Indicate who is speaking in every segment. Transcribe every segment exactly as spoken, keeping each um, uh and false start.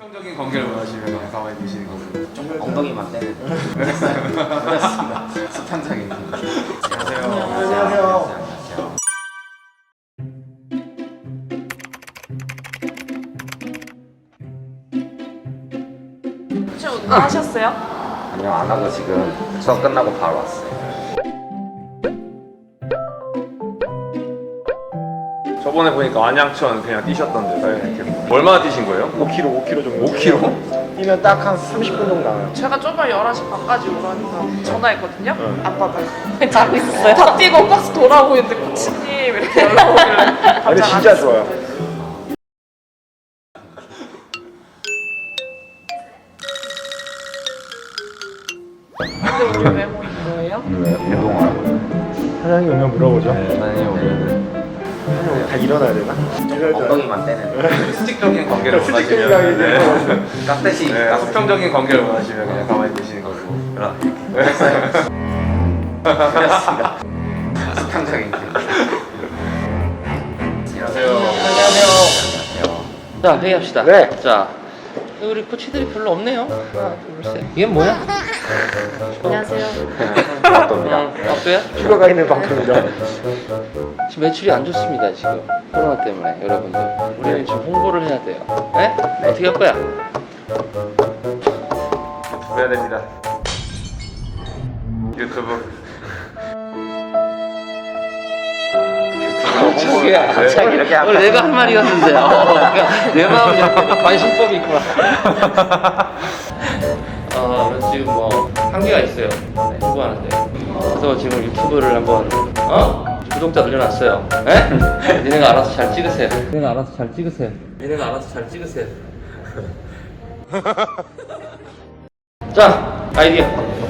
Speaker 1: 수평적인 관계를 원하시면 그냥 가만히 계시는 거고
Speaker 2: 엉덩이만 떼는 그렇습니다. 수평적인 관계.
Speaker 1: 안녕하세요.
Speaker 2: 안녕하세요. 안녕하세요.
Speaker 3: 혹시 운동하셨어요?
Speaker 2: 아니요, 안 하고 지금 수업 끝나고 바로 왔어요.
Speaker 1: 저번에 보니까 안양천 그냥 뛰셨던데 네. 얼마나 뛰신 거예요?
Speaker 4: 오 킬로미터, 오 킬로미터 정도.
Speaker 1: 오 킬로미터?
Speaker 4: 뛰면 딱 한 삼십 분 정도 나와요.
Speaker 3: 제가 저번에 열한 시 반까지 오라니까 전화했거든요? 안 받아요. 자고 있었어요? 다 뛰고 버스 돌아오고 있는데 코치님 이렇게 연락 오길래
Speaker 4: 아, 근데 진짜 좋아요.
Speaker 3: 근데 우리 왜 모인 거예요?
Speaker 2: 운동하라고요.
Speaker 4: 사장님 오면 물어보죠.
Speaker 2: 사장님 오면
Speaker 4: 사장님 다 일어나야 되나?
Speaker 2: 엉덩이만 떼는
Speaker 1: 수직적인 관계를
Speaker 4: 수직적인
Speaker 1: 원하시면
Speaker 4: 관계.
Speaker 1: 네.
Speaker 2: 깍듯이
Speaker 1: 네, 수평적인 관계를 원하시면 그냥 가만히 계시는 거고
Speaker 2: 그럼 그렇습니다. 수평적인 관계.
Speaker 1: 안녕하세요.
Speaker 2: 안녕하세요.
Speaker 5: 자, 회의합시다.
Speaker 4: 네.
Speaker 5: 자, 우리 코치들이 별로 없네요. 하나, 둘, 셋. 이게 뭐야?
Speaker 3: 안녕하세요.
Speaker 2: 맞답니다.
Speaker 5: 어, 박도야?
Speaker 4: 휴가가 있는 방송이죠.
Speaker 5: 지금 매출이 안 좋습니다, 지금. 코로나 때문에, 여러분들. 우리는 지금 홍보를 해야 돼요. 네? 어떻게 할 거야?
Speaker 1: 해야 됩니다. 유튜브.
Speaker 5: 갑자기야, 갑자기.
Speaker 2: 이렇게 할까?
Speaker 5: 오늘 내가 할 말이었는데. 어, 그러니까 내 마음이 이렇게 관심법이 있구나. 어, 지금 뭐, 한계가 있어요. 유튜브 하는데. 그래서 지금 유튜브를 한번, 어? 구독자 늘려놨어요. 에? 니네가 알아서 잘 찍으세요. 니네가 알아서 잘 찍으세요. 니네가 알아서 잘 찍으세요. 자, 아이디어.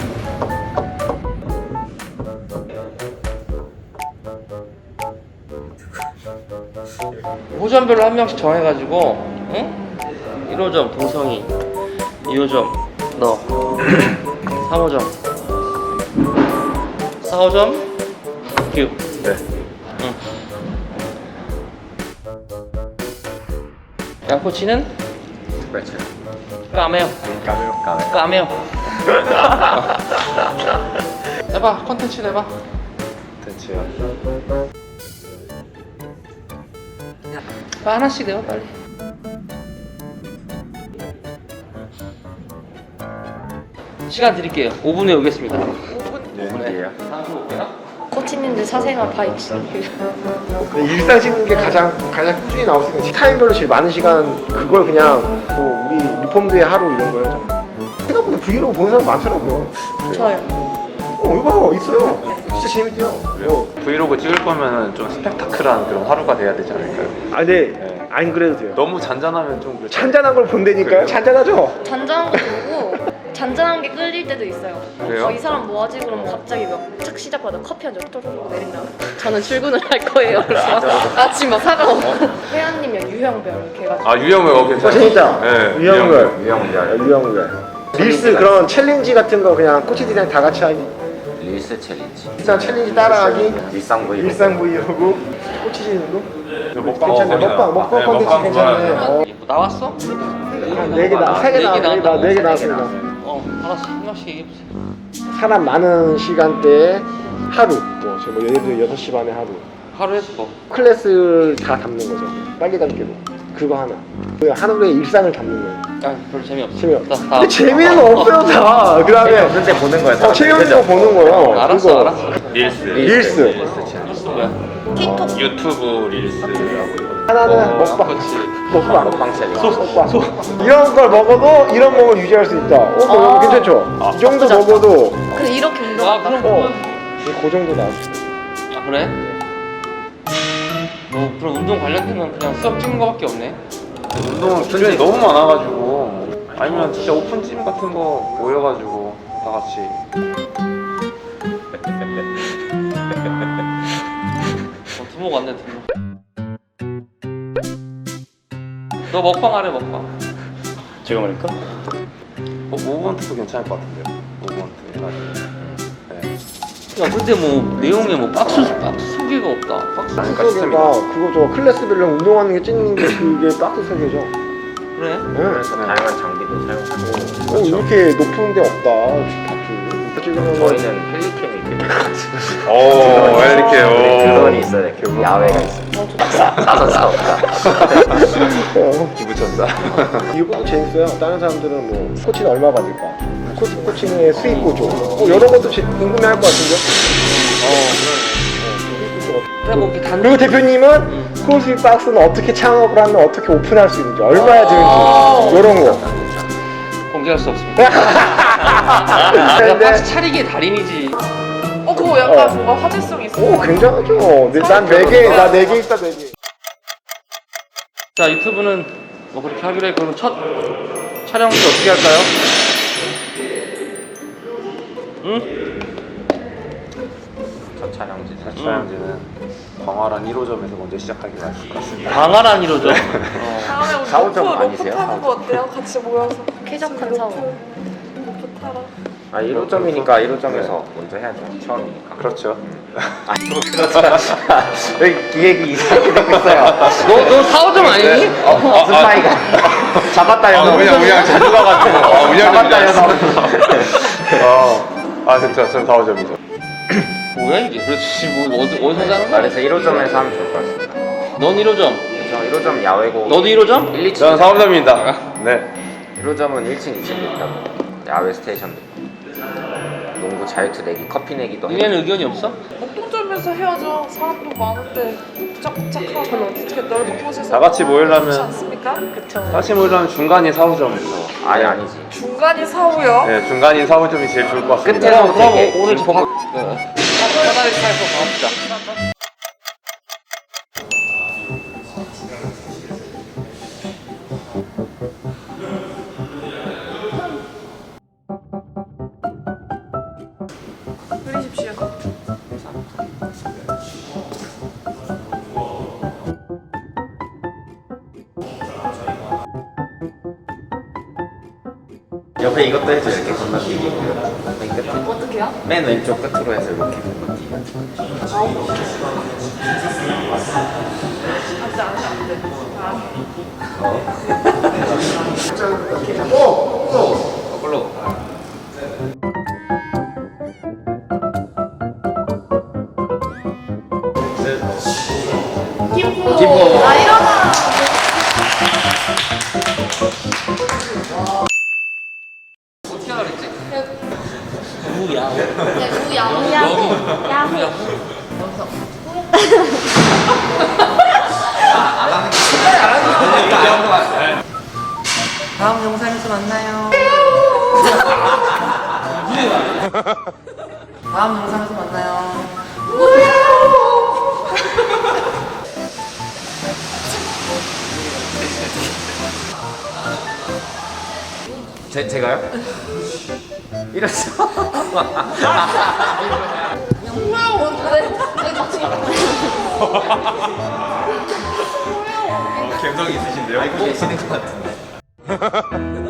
Speaker 5: 호점별로 한 명씩 정해가지고, 응? 일 호점 동성이, 이 호점 너, 삼 호점, 사 호점 규.
Speaker 1: 네.
Speaker 5: 응. 양코치는
Speaker 2: 그렇죠.
Speaker 5: 까메오.
Speaker 1: 가면 가면.
Speaker 5: 까메오. 해봐, 컨텐츠 해봐.
Speaker 1: 대체요.
Speaker 5: 하나씩 내봐 빨리. 시간 드릴게요. 오 분에 오겠습니다.
Speaker 2: 네.
Speaker 5: 다음 올게요.
Speaker 3: 코치님들 사생활 다 있어요.
Speaker 4: 일상 찍는 게 가장 가장 꾸준히 나왔으니까 타임별로 제일 많은 시간 그걸 그냥 뭐 우리 리폼드의 하루 이런 거예요. 저는. 생각보다 브이로그 보는 사람 많더라고요.
Speaker 3: 저요.
Speaker 4: 어 이거 있어요. 진짜 재밌대요.
Speaker 1: 그래요. 브이로그 찍을 거면 좀 스펙타클한 그런 하루가 돼야 되지 않을까요?
Speaker 4: 아 근데
Speaker 1: 네.
Speaker 4: 안 그래도 돼요.
Speaker 1: 너무 잔잔하면 좀 그렇죠.
Speaker 4: 잔잔한 걸 본다니까요.
Speaker 1: 그래요?
Speaker 4: 잔잔하죠.
Speaker 6: 잔잔한 거 보고 잔잔한 게 끌릴 때도 있어요.
Speaker 1: 그래요?
Speaker 6: 어, 이 사람 뭐 하지? 그러면 갑자기 막 착 시작하다 커피 한 잔 쪼르륵 내린다. 저는 출근을 할 거예요. 그래서 아침 막 사과 먹고 회원님이랑 유형별 이렇게 해가지고
Speaker 1: 아 유형을 어 괜찮아요.
Speaker 4: 어 재밌다.
Speaker 1: 네.
Speaker 4: 유형별.
Speaker 2: 유형별.
Speaker 4: 유형별. 릴스 그런 챌린지 같은 거 그냥 코치들이랑 다 같이 하기.
Speaker 2: 릴스 챌린지.
Speaker 4: 일상 챌린지 따라하기.
Speaker 2: 일상 브이로그.
Speaker 4: 일상 브이로그. 코치진도
Speaker 1: 저 먹방
Speaker 4: 괜찮네.
Speaker 1: 먹방이다.
Speaker 4: 먹방 먹방
Speaker 1: 네,
Speaker 4: 컨텐츠
Speaker 1: 먹방
Speaker 4: 괜찮네.
Speaker 1: 좋아요.
Speaker 4: 어.
Speaker 5: 뭐 나왔어?
Speaker 4: 네개 나, 세 개
Speaker 5: 네
Speaker 4: 나,
Speaker 5: 개
Speaker 4: 네 개 나,
Speaker 5: 나왔다고?
Speaker 4: 네 개 나왔습니다.
Speaker 5: 어, 알았어. 한 명씩 얘기해보세요.
Speaker 4: 사람 많은 시간대에 하루, 뭐, 저 뭐, 예를 들어 여섯 시 반에 하루.
Speaker 5: 하루 해서 뭐.
Speaker 4: 클래스를 다 담는 거죠. 빨리감기로. 그거 하나. 그 하루의 일상을 담는 거예요.
Speaker 5: 아, 별로 재미없어.
Speaker 4: 재미없어.
Speaker 5: 다, 다.
Speaker 4: 근데 재미는 없어요, 다. 그 다음에,
Speaker 2: 없는데 보는 거예요.
Speaker 4: 어, 재미없는 거 보는 거예요.
Speaker 5: 알았어,
Speaker 4: 그거.
Speaker 5: 알았어.
Speaker 1: 릴스.
Speaker 4: 릴스.
Speaker 5: 릴스 뭐야?
Speaker 6: 틱톡
Speaker 1: 유튜브 릴스라고.
Speaker 4: 하나는
Speaker 5: 어,
Speaker 4: 먹방.
Speaker 5: 그렇지.
Speaker 4: 먹방.
Speaker 2: 먹방 챌린지.
Speaker 4: 먹방. 이런 걸 먹어도 이런 몸을 유지할 수 있다. 어, 뭐,
Speaker 6: 아.
Speaker 4: 괜찮죠? 이 정도 먹어도,
Speaker 6: 그래 이렇게
Speaker 5: 아,
Speaker 6: 운동한다.
Speaker 5: 그럼
Speaker 4: 어,
Speaker 5: 그건-
Speaker 4: 그 정도 나왔어.
Speaker 5: 아, 그래? 뭐 그럼 운동 관련되면 그냥 수업 찍는 거밖에 없네.
Speaker 1: 운동 기준이 너무 많아가지고 아니면 진짜 오픈짐 같은 거 모여가지고 다 같이.
Speaker 5: 어, 두목 왔네, 두목. 너 먹방 하래, 먹방.
Speaker 4: 제가 말할까?
Speaker 1: 어, 모브먼트도 괜찮을 것 같은데요. 모브먼트 해가지고. 네.
Speaker 5: 야, 근데 뭐 내용에 뭐 박스 박스 소개가 없다. 박스
Speaker 1: 아니,
Speaker 4: 그러니까 그거 저 클래스별로 운동하는 게 찍는 게 그게 박스 설계죠.
Speaker 5: 그래?
Speaker 2: 그래서 다양한 장비도 사용하고.
Speaker 4: 어, 이렇게 높은 데 없다. 지금
Speaker 2: 저희는 헬리캠이 되게
Speaker 1: 오, 왜 이렇게, 오.
Speaker 2: 그건이 있어요. 이렇게 야외가 있어요. 나선 싸움다.
Speaker 1: 기부천사.
Speaker 4: 이것도 재밌어요. 다른 사람들은 뭐 코치는 얼마 받을까? 코치, 코치의 수익 구조. 뭐 이런 것도 제- 궁금해할 것 같은데.
Speaker 5: 그래 뭐 이렇게 단
Speaker 4: 그리고 대표님은 크로스핏 박스는 어떻게 창업을 하면 어떻게 오픈할 수 있는지, 얼마야 드는지 이런 거.
Speaker 5: 공개할 수 없습니다. 내가 박스 차리기의 달인이지.
Speaker 3: 어 그거 약간
Speaker 4: 어.
Speaker 3: 뭔가 화제성 있어.
Speaker 4: 오, 굉장하죠. 난 네 개, 나 네 개 있다, 네 개.
Speaker 5: 자 유튜브는 뭐 그렇게 하기로 해. 그럼 첫 촬영을 어떻게 할까요? 응?
Speaker 2: 첫 촬영지.
Speaker 1: 첫 촬영지는 광활한 일 호점에서 먼저 시작하기로 했을 것 같습니다.
Speaker 5: 광활한 이로죠. 어.
Speaker 3: 다음에 우리
Speaker 2: 사오점
Speaker 3: 로프, 로프
Speaker 2: 아니세요?
Speaker 3: 타는 거 어때요? 같이 모여서
Speaker 6: 쾌적한 샤워.
Speaker 3: 로프 타라.
Speaker 2: 아 일 호점이니까 일 호점에서 먼저 해야죠. 처음이니까.
Speaker 1: 그렇죠.
Speaker 2: 아니 뭐 그렇죠. 왜 기획이 이상하게 되고 있어요.
Speaker 5: 너, 너 사오점 아니니?
Speaker 2: 어, 무슨 사이가 잡았다 녀석.
Speaker 1: 그냥 그냥 제주 가가지고. 아, 운영
Speaker 2: 잡았다 녀석.
Speaker 1: 어. 아, 진짜, 전 사 호점이죠.
Speaker 5: 뭐야 이게? 그렇지 뭐 어디, 어디서 자는 거야?
Speaker 2: 그래서 일 호점에서 하면 좋을 것 같습니다.
Speaker 5: 넌 일 호점.
Speaker 2: 저 일 호점 야외고.
Speaker 5: 너도 일 호점?
Speaker 2: 일, 이 층.
Speaker 1: 저는 사 호점입니다. 네.
Speaker 2: 일 호점은 일 층, 이 층도 있다고. 야외 스테이션도 있고. 농구 자유투 내기, 커피 내기도 해요.
Speaker 5: 니네는 의견이 없어?
Speaker 3: 목동점에서 해야죠. 사람도 많은데 복작복작하고 어떻게 넓은 곳에서
Speaker 1: 다 같이 모이려면-
Speaker 3: 그렇지 않습니까?
Speaker 6: 그쵸.
Speaker 1: 다시 모이려면 중간이 사 호점이죠.
Speaker 2: 아니 아니지.
Speaker 3: 중간이 사후요.
Speaker 1: 네, 중간인 사 호점이 제일 좋을 것 같습니다.
Speaker 2: 끝에서
Speaker 5: 그럼
Speaker 2: 되게
Speaker 5: 오늘
Speaker 2: 김포-
Speaker 5: 밥 사다리 차에서 밥 먹자.
Speaker 3: 그리십시오.
Speaker 2: 옆에 이것도 해줘. 이렇게 건너뛰기. 맨 끝에.
Speaker 6: 어떻게요?
Speaker 2: 맨 왼쪽 끝으로 해서 이렇게 건너뛰기.
Speaker 3: 안돼 안돼 안돼.
Speaker 2: 거꾸로.
Speaker 6: 김포.
Speaker 2: 김포.
Speaker 6: 아 일어나.
Speaker 5: 어떻게 하라 그랬지? 누구야?
Speaker 6: 야구 야구 야구 야구.
Speaker 5: 다음 영상에서 만나요. 다음 영상에서 만나요.
Speaker 2: 제, 제가요? 이랬어.
Speaker 1: 감성이 있으신데요?
Speaker 2: 알고 계시는 것 같은데.